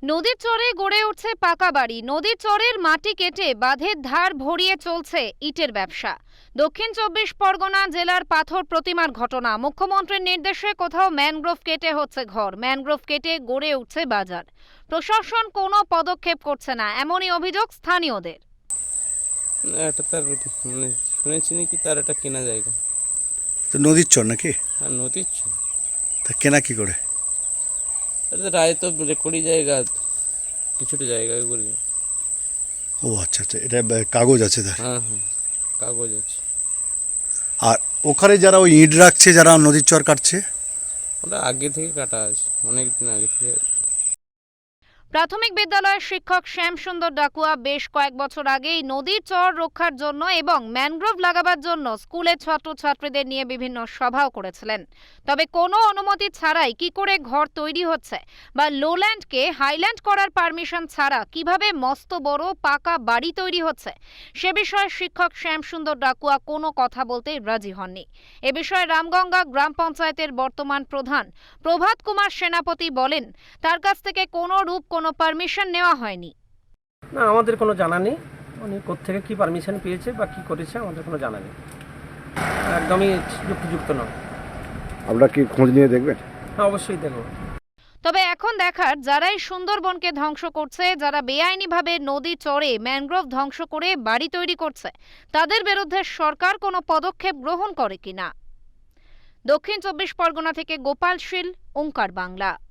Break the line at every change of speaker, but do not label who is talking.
নদীর চরে গড়ে উঠছে পাকা বাড়ি। নদীর চরের মাটি কেটে বাঁধের ধার ভরিয়ে চলছে ইটের ব্যবসা। দক্ষিণ ২৪ পরগনা জেলার পাথর প্রতিমার ঘটনা। মুখ্যমন্ত্রীর নির্দেশে কোথাও ম্যানগ্রোভ কেটে হচ্ছে ঘর, ম্যানগ্রোভ কেটে গড়ে উঠছে বাজার। প্রশাসন কোনো পদক্ষেপ করছে না, এমনই অভিযোগ স্থানীয়দের।
এটা তার শুনেছি নাকি তার একটা কেনা জায়গা।
তো নদীর চর নাকি?
হ্যাঁ, নদীর ছ
তা কেনা কি করে?
এটা রায় তো রেকর্ডি জায়গা, কিছুটা জায়গা করি।
ও আচ্ছা আচ্ছা, এটা কাগজ আছে তার?
হ্যাঁ হ্যাঁ, কাগজ আছে।
আর ওখানে যারা ওই ইট রাখছে, যারা নদীর চর কাটছে?
ওটা আগে থেকে কাটা আছে, অনেক দিন আগে থেকে।
প্রাথমিক বিদ্যালয়ের শিক্ষক শ্যামসুন্দর ডাকুয়া বেশ কয়েক বছর আগেই নদীর চর রক্ষার জন্য এবং ম্যানগ্রোভ লাগাবার জন্য স্কুলের ছাত্রছাত্রীদের নিয়ে বিভিন্ন সভাও করেছিলেন। তবে কোনো অনুমতি ছাড়াই কি করে ঘর তৈরি হচ্ছে বা লোল্যান্ডকে হাইল্যান্ড করার পারমিশন ছাড়া কিভাবে মস্ত বড় পাকা বাড়ি তৈরি হচ্ছে সে বিষয়ে শিক্ষক শ্যামসুন্দর ডাকুয়া কোনো কথা বলতে রাজি হননি। এ বিষয়ে রামগঙ্গা গ্রাম পঞ্চায়েতের বর্তমান প্রধান প্রভাত কুমার সেনাপতি বলেন, তার কাছ থেকে কোনো পারমিশন নেওয়া হয়নি।
না, আমাদের কোনো জানা নেই উনি কোত্থেকে কি পারমিশন পেয়েছে বা কি করেছে, আমাদের কোনো জানা নেই। একদমই যুক্তিযুক্ত নয়।
আপনারা কি খোঁজ নিয়ে দেখবেন?
হ্যাঁ, অবশ্যই দেখব।
তবে এখন দেখার, যারাই সুন্দরবনকে ধ্বংস করছে, যারা বেআইনিভাবে নদী চরে ম্যানগ্রোভ ধ্বংস করে বাড়ি তৈরি করছে, তাদের বিরুদ্ধে সরকার কোনো পদক্ষেপ গ্রহণ করে কিনা। দক্ষিণ ২৪ পরগনা থেকে গোপাল শীল, ওঙ্কার বাংলা।